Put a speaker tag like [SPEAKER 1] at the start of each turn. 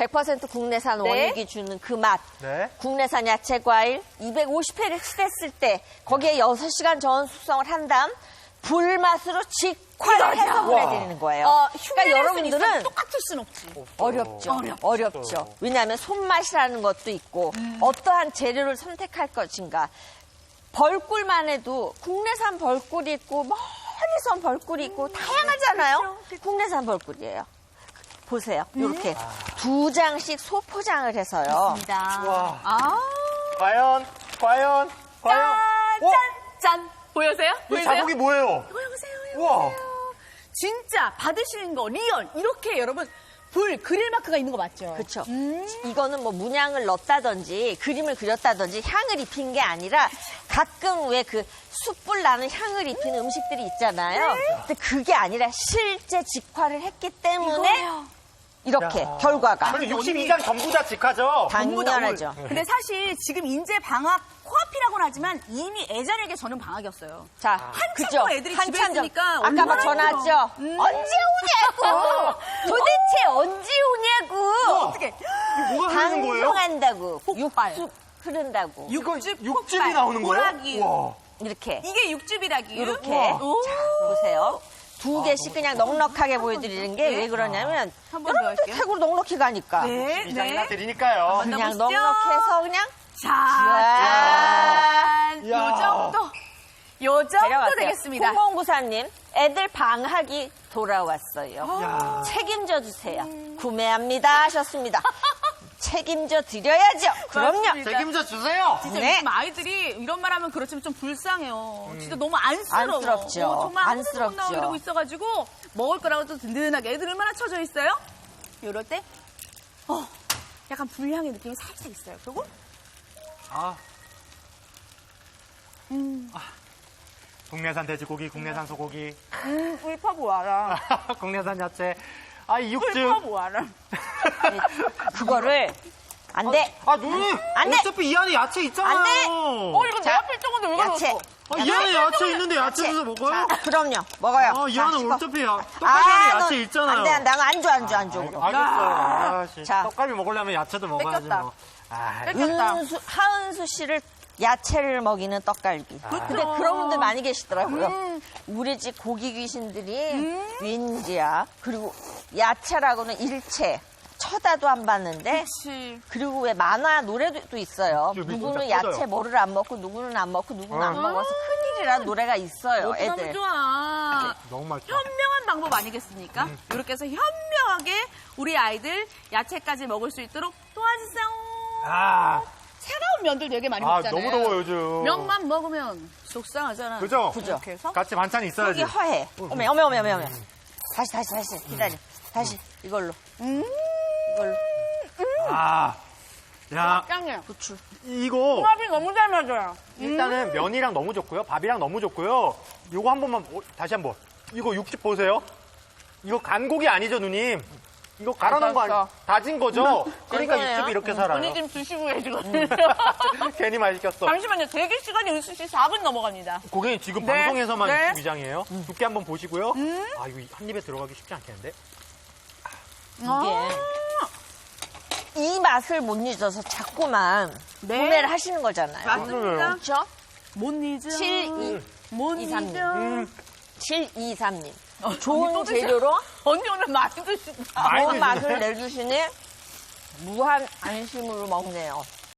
[SPEAKER 1] 100% 국내산
[SPEAKER 2] 네.
[SPEAKER 1] 원육이 주는 그 맛.
[SPEAKER 3] 네.
[SPEAKER 1] 국내산 야채 과일 250회를 칠했을 때 거기에 6시간 전 숙성을 한 다음 불맛으로 직화를 해서 보내드리는 거예요. 그러니까 여러분들은
[SPEAKER 2] 똑같을 순 없지.
[SPEAKER 1] 어렵죠. 왜냐하면 손맛이라는 것도 있고 어떠한 재료를 선택할 것인가. 벌꿀만 해도 국내산 벌꿀이 있고 멀리서 벌꿀이 있고 다양하잖아요. 국내산 벌꿀이에요. 보세요. 이렇게 2장씩 소포장을 해서요.
[SPEAKER 3] 와.
[SPEAKER 2] 아,
[SPEAKER 3] 과연.
[SPEAKER 2] 짠! 보여세요?
[SPEAKER 3] 이 자국이 뭐예요?
[SPEAKER 2] 이거 보세요.
[SPEAKER 3] 우와.
[SPEAKER 2] 진짜 받으시는 거 리얼 이렇게 여러분 불 그릴 마크가 있는 거 맞죠?
[SPEAKER 1] 그렇죠. 이거는 뭐 문양을 넣었다든지 그림을 그렸다든지 향을 입힌 게 아니라 가끔 왜 그 숯불 나는 향을 입히는 음식들이 있잖아요. 근데 그게 아니라 실제 직화를 했기 때문에
[SPEAKER 2] 이거예요.
[SPEAKER 1] 이렇게
[SPEAKER 3] 야.
[SPEAKER 1] 결과가
[SPEAKER 3] 그럼 62장 전부 다 직화죠?
[SPEAKER 1] 당연하죠.
[SPEAKER 2] 근데 사실 지금 인제 방학 코앞이라고는 하지만 이미 애자에게 저는 방학이었어요.
[SPEAKER 1] 자,
[SPEAKER 2] 한참
[SPEAKER 1] 그죠?
[SPEAKER 2] 또 애들이 집에
[SPEAKER 1] 한참 전.
[SPEAKER 2] 있으니까
[SPEAKER 1] 아까 막
[SPEAKER 2] 얼마나
[SPEAKER 1] 전화했죠?
[SPEAKER 2] 힘들어.
[SPEAKER 1] 언제 오냐고! 도대체 언제 오냐고!
[SPEAKER 2] 어떻게
[SPEAKER 3] 뭐가 흐르는 거예요?
[SPEAKER 1] 방송한다고.
[SPEAKER 2] 폭발.
[SPEAKER 1] 육즙 흐른다고.
[SPEAKER 3] 육즙이
[SPEAKER 2] 폭발,
[SPEAKER 3] 나오는 거예요?
[SPEAKER 2] 호락이.
[SPEAKER 3] 와.
[SPEAKER 1] 이렇게.
[SPEAKER 2] 이게 육즙이라기.
[SPEAKER 1] 이렇게.
[SPEAKER 2] 오.
[SPEAKER 1] 자, 보세요. 2개씩 그냥 넉넉하게 보여드리는 게 왜 그러냐면
[SPEAKER 2] 한번더
[SPEAKER 1] 여러분들
[SPEAKER 2] 할게요.
[SPEAKER 1] 태국으로 넉넉히 가니까.
[SPEAKER 2] 네,
[SPEAKER 3] 2장이나 드리니까요.
[SPEAKER 1] 그냥
[SPEAKER 2] 넣어보시죠.
[SPEAKER 1] 넉넉해서 그냥
[SPEAKER 2] 짠.
[SPEAKER 3] 야.
[SPEAKER 2] 요 정도
[SPEAKER 1] 데려갔어요.
[SPEAKER 2] 되겠습니다.
[SPEAKER 1] 홍봉구사님, 애들 방학이 돌아왔어요.
[SPEAKER 3] 야.
[SPEAKER 1] 책임져 주세요. 구매합니다 하셨습니다. 책임져 드려야죠. 그럼요.
[SPEAKER 2] 맞습니다.
[SPEAKER 3] 책임져 주세요.
[SPEAKER 2] 진짜
[SPEAKER 1] 네.
[SPEAKER 2] 요즘 아이들이 이런 말 하면 그렇지만 좀 불쌍해요. 진짜 너무 안쓰러워.
[SPEAKER 1] 안쓰럽죠.
[SPEAKER 2] 정말 아무데도 못
[SPEAKER 1] 안쓰럽죠.
[SPEAKER 2] 나오고 이러고 있어가지고 먹을 거라고 또 든든하게 애들 얼마나 처져 있어요? 이럴 때 약간 불향의 느낌이 살짝 있어요. 그리고
[SPEAKER 3] 국내산 돼지고기, 국내산 소고기,
[SPEAKER 2] 꿀파 보아라.
[SPEAKER 3] 국내산 야채. 이 육즙.
[SPEAKER 2] 꿀파 보아라.
[SPEAKER 1] 그거를 안 돼.
[SPEAKER 3] 누님.
[SPEAKER 1] 안 돼.
[SPEAKER 3] 어차피 이 안에 야채 있잖아요.
[SPEAKER 1] 안 돼.
[SPEAKER 2] 이거 내 앞에 있던 건데 왜
[SPEAKER 1] 야채.
[SPEAKER 2] 가져왔어?
[SPEAKER 3] 이 안에 야채 있는데 야채 주서 먹어요?
[SPEAKER 1] 자, 그럼요. 먹어요.
[SPEAKER 3] 이
[SPEAKER 1] 자,
[SPEAKER 3] 안에
[SPEAKER 1] 씹어.
[SPEAKER 3] 어차피 떡갈비 안에 야채 있잖아요.
[SPEAKER 1] 안 돼, 안 돼. 안 줘.
[SPEAKER 3] 알겠어요.
[SPEAKER 1] 자.
[SPEAKER 3] 떡갈비 먹으려면 야채도 먹어야지
[SPEAKER 2] 뺏겼다.
[SPEAKER 3] 뭐.
[SPEAKER 2] 뺏겼다.
[SPEAKER 1] 하은수 씨를 야채를 먹이는 떡갈비. 근데 그런 분들 많이 계시더라고요. 우리 집 고기 귀신들이 왠지야. 그리고 야채라고는 일체 쳐다도 안 봤는데
[SPEAKER 2] 그치.
[SPEAKER 1] 그리고 왜 만화 노래도 있어요.
[SPEAKER 3] 진짜
[SPEAKER 1] 누구는
[SPEAKER 3] 꺼져요.
[SPEAKER 1] 야채 뭐를 안 먹고 누구는 안 먹고 누구는 안 먹어서 큰일이라는 노래가 있어요.
[SPEAKER 2] 너무
[SPEAKER 1] 애들.
[SPEAKER 2] 좋아.
[SPEAKER 3] 너무 맛있다.
[SPEAKER 2] 현명한 방법 아니겠습니까? 이렇게 해서 현명하게 우리 아이들 야채까지 먹을 수 있도록 도와주세요. 차가운 면들 되게 많이 먹잖아요.
[SPEAKER 3] 너무 더워 요즘.
[SPEAKER 2] 면만 먹으면 속상하잖아.
[SPEAKER 3] 그죠?
[SPEAKER 2] 이렇게 해서
[SPEAKER 3] 같이 반찬이 있어야지.
[SPEAKER 1] 속이 허해. 어메. 다시. 기다려. 다시 이걸로. 이걸로.
[SPEAKER 3] 야,
[SPEAKER 2] 짱이에요.
[SPEAKER 1] 부추.
[SPEAKER 3] 이거
[SPEAKER 2] 궁합이 너무 잘 맞아요.
[SPEAKER 3] 일단은 면이랑 너무 좋고요. 밥이랑 너무 좋고요. 이거 한 번만 다시 한번. 이거 육즙 보세요. 이거 간 고기 아니죠, 누님? 이거 갈아놓은 거 아니에요? 다진 거죠? 그러니까
[SPEAKER 1] 이거예요?
[SPEAKER 3] 육즙이 이렇게 살아요.
[SPEAKER 2] 언니 지금 드시고 계시거든요.
[SPEAKER 3] 괜히 많이 시켰어.
[SPEAKER 2] 잠시만요. 대기 시간이 은수 씨 4분 넘어갑니다.
[SPEAKER 3] 고객님 지금
[SPEAKER 2] 네.
[SPEAKER 3] 방송에서만
[SPEAKER 2] 네.
[SPEAKER 3] 육즙 위장이에요. 두께 한번 보시고요. 이거 한 입에 들어가기 쉽지 않겠는데?
[SPEAKER 1] 이게 이 맛을 못 잊어서 자꾸만
[SPEAKER 2] 네.
[SPEAKER 1] 구매를 하시는 거잖아요.
[SPEAKER 2] 맞습니다.
[SPEAKER 1] 그렇죠?
[SPEAKER 2] 못 잊어.
[SPEAKER 1] 7223님. 7223님.
[SPEAKER 2] 언니
[SPEAKER 1] 좋은
[SPEAKER 2] 또 드셔.
[SPEAKER 1] 재료로
[SPEAKER 2] 언니 오늘 많이 드신다.
[SPEAKER 3] 많이
[SPEAKER 1] 좋은
[SPEAKER 3] 드시네.
[SPEAKER 1] 맛을 내주시니 무한 안심으로 먹네요.